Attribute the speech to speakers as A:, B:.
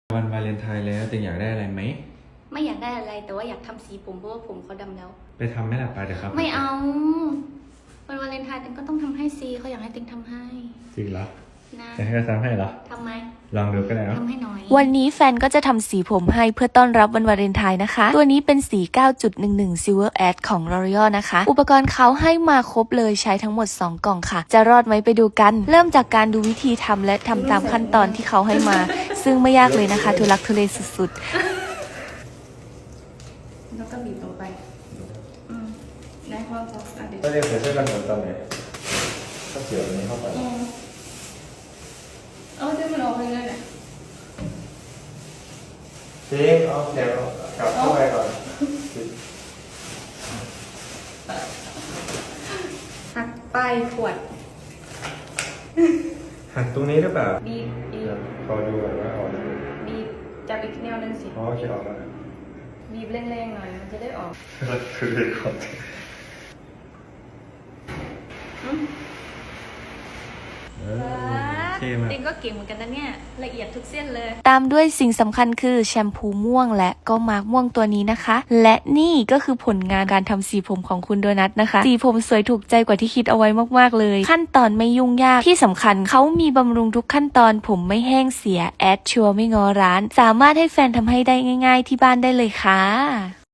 A: วันวาเลนไทน์แล้วติงอยากได้อะไรไหม
B: ไม่อยากได้อะไรแต่ว่าอยากทำสีผมเพราะว่าผมเขาดำแล้ว
A: ไปทำไหมล่ะไปเดี๋ยวครับ
B: ไม่เอาวันวาเลนไทน์ติงก็ต้องทำให้ซีเขาอยากให้ติงทำให้
A: จริงเหรอ
B: นะ
A: จะให้เขาทำให้เหรอ
B: ทำไหม
A: ลองดูก็ได้เนาะ
B: ทำให้หน่อย
C: วันนี้แฟนก็จะทำสีผมให้เพื่อต้อนรับวันวาเลนไทน์นะคะตัวนี้เป็นสี 9.11 Silver Ash ของ L'Oreal นะคะอุปกรณ์เขาให้มาครบเลยใช้ทั้งหมด2กล่องค่ะจะรอดไหมไปดูกันเริ่มจากการดูวิธีทำและทำตามขั้นตอนที่เขาให้มาซึ่งไม่ยากเลยนะคะทุลักทุเลสุดๆ
B: แล้วก็บีบลงไปได้พอจะเดี๋ยว
A: ก็เรียกใส่เสื้อกันฝนตอนไหนก็เกี่ยวอันนี้เข้าไป
B: เอาเดี๋ยวมันออกไปเลยนะ
A: จริงเอาเดี๋ยวกลับเข้าไปก่อน
B: หักปลายขวด
A: หักตรงนี้หรือเปล่า
B: บีบ
A: ขอดูก่อนว่าออกไหม
B: บีบจับอีกแนวนึงสิ
A: อ๋อโอเคออกแล้ว
B: บีบแรงๆหน่อยมันจะได้ออก
A: คือเด็กก่อน
B: ติงก็เก่งเหมือนกันนะเนี่ยละเอียดทุกเส้นเลย
C: ตามด้วยสิ่งสำคัญคือแชมพูม่วงและก็มาร์กม่วงตัวนี้นะคะและนี่ก็คือผลงานการทำสีผมของคุณโดนัทนะคะสีผมสวยถูกใจกว่าที่คิดเอาไว้มากๆเลยขั้นตอนไม่ยุ่งยากที่สำคัญเขามีบำรุงทุกขั้นตอนผมไม่แห้งเสียแอดชัวร์ไม่งอร้านสามารถให้แฟนทำให้ได้ง่ายๆที่บ้านได้เลยค่ะ